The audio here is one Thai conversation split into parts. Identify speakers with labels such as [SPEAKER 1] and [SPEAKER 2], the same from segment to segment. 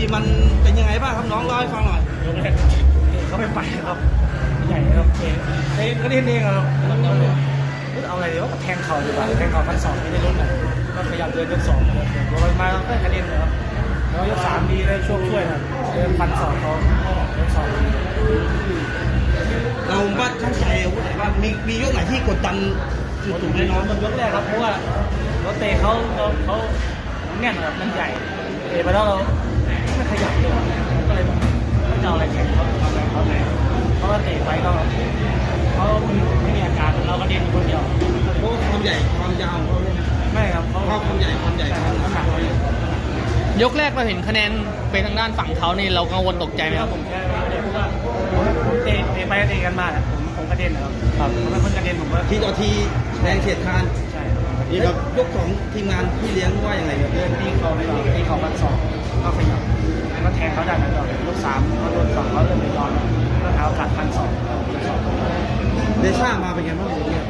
[SPEAKER 1] มันเป็นยังไงบ้างครับน้องเล่าให้ฟังหน่อย
[SPEAKER 2] ยกแรกเขาไม่ไปครับใหญ่ครับเตะก็เล่นเองครับแล้วเอาอะไรเดี๋ยวก็แทงเข่าดีกว่าแทงเข่าฟันศอกไม่ได้ลดหน่อยก็พยายามเดินยก2เลยพอมาก็กระเด็นเลยครับแล้วยก3ดีได้ช่วยนะเดินฟันศอกเขายก2ดี
[SPEAKER 1] เราว่าช่างใจอาวุธไหนบ้างมียกไหนที่กดดันสุดๆ
[SPEAKER 2] ใน
[SPEAKER 1] เลย
[SPEAKER 2] น้อ
[SPEAKER 1] เนาะ
[SPEAKER 2] งมันยกแรกครับเพราะว่าเราเตะเขาแน่นแบบมันใหญ่เตะไปแล้วเราไม่ขยับเลยก็เลยแบบไม่จะเอาอะไรแข่งเขาทำอะไรเขาเลยเพราะว่าเตะไปก็เขาไม่มีอาการเราก็เด่นคนเดียว
[SPEAKER 1] เพราะความใหญ่ความยาวของเขาเนี่ย
[SPEAKER 2] ไม่ครับเขา
[SPEAKER 1] ความใหญ่ความ
[SPEAKER 2] น้ำหนักเราเยอะ
[SPEAKER 3] ยกแรกเราเห็นคะแนนเป็นทางด้านฝั่งเขานี่เรากังวลตกใจไหม
[SPEAKER 2] ไม่
[SPEAKER 3] ค
[SPEAKER 2] ค
[SPEAKER 3] รั
[SPEAKER 2] รั
[SPEAKER 3] บบ
[SPEAKER 2] ผมแค่ไม่ได้พูดว่าผมเตะไปเตะกันมาผมกระเด็นนะครับผมเป็นคนกระเด็นผมว่า
[SPEAKER 1] ทีต่อทีแรงเฉียดคาน
[SPEAKER 2] ใช่
[SPEAKER 1] นี่ครับยกของทีมงานพี่เลี้ยงว่ายังไงครับ
[SPEAKER 2] เดินตีเขาไปก่อนตีเขาฟันศอกก็ขยับก็แทงเขาได้นะต่อยก3เขาโดน2เขาเลยไม่ยอมก็หาโอกาสฟันศอก
[SPEAKER 1] เดช่ามาเป็นไงบ้างเนี่ย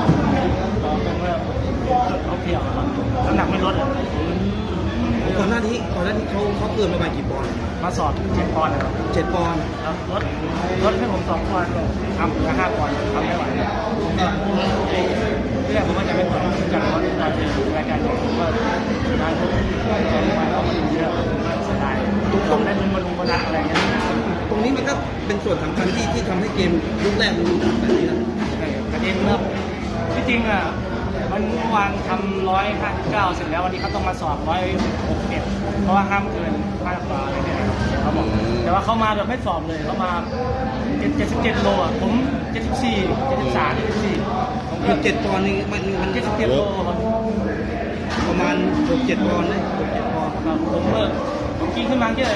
[SPEAKER 2] เขาเพียวน้ำหนักไม่ลด
[SPEAKER 1] ก่อนหน้านี้เขาเกินประมาณกี่ปอนด์
[SPEAKER 2] มาสอบ7 ปอนด์นะครับ
[SPEAKER 1] 7 ปอนด์
[SPEAKER 2] แล้วลดให้ผม2 ปอนด์ทำเหลือ5 ปอนด์ทำไม่ไหวผมก็เรื่องผมก็จะไม่ไหวจากรถเราจะอยู่รายการใหญ่ผมก็การทุกใจมาก็มันเยอะเสียดายตรงได้ลุ้นมาลุ้นมานัดอะไรเงี้ย
[SPEAKER 1] ตรงนี้มันก็เป็นส่วนสำคัญที่ทำให้เกมยุคแรกมันดูดันแบบนี้นะ
[SPEAKER 2] กระเด็นเริ่มที่จริงอ่ะมันวางทำ159เสร็จแล้ววันนี้เขาต้องมาสอบ161เพราะว่าห้ามเกิน5 กว่าอะไรเนี่ยเขาบอกแต่ว่าเขามาแบบไม่สอบเลยเขามา77 โลอ่ะผม74 73 74ผม
[SPEAKER 1] คือ7 ปอนด์นี่มัน
[SPEAKER 2] 77 โลครับ
[SPEAKER 1] ประมาณ6-7 ปอนด์นะ6-7 ปอนด์
[SPEAKER 2] ครับผมกินขึ้นมาแค่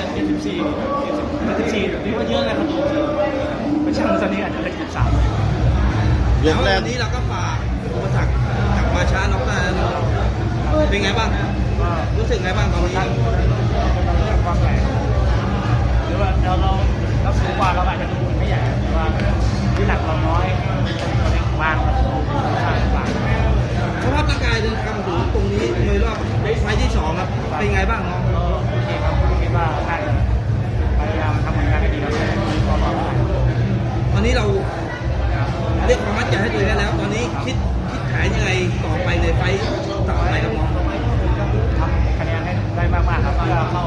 [SPEAKER 2] 74ถือว่าเยอะนะครับไม่ใช่ตอนนี้อาจจะเป็น73
[SPEAKER 1] แล้ววันนี้เราก็ฝากอุปสรรคกลับมาช้าน็อกได้แล้วเนาะเป็นไงบ้าง
[SPEAKER 2] ก็
[SPEAKER 1] รู้สึกไงบ้างตอนนี้
[SPEAKER 2] ตั้งเป็นเรื่องความแรงหรือว่าเราสูงกว่าเราอาจจะดูไม่ใหญ่แต่ว่าที่หนักเราน้อยบางครับบาง
[SPEAKER 1] สภาพร่างกายเดินทางมาถึงตรงนี้ในรอบไฟล์ที่2ครับเป็นไงบ้างน้อง
[SPEAKER 2] ก็โอเคครับคิดว่าน่าจะพยายามทำผลงานให้ดีแล้วก็รอได้
[SPEAKER 1] ตอนนี้เราเรียกความมั่นใจให้ตัวเองได้แล้ว ตอนนี้คิดแผนยังไงต่อไปในไฟล์ต่อไปครับน้อง
[SPEAKER 2] ทำคะแนนให้ได้มากๆครับก็เข้า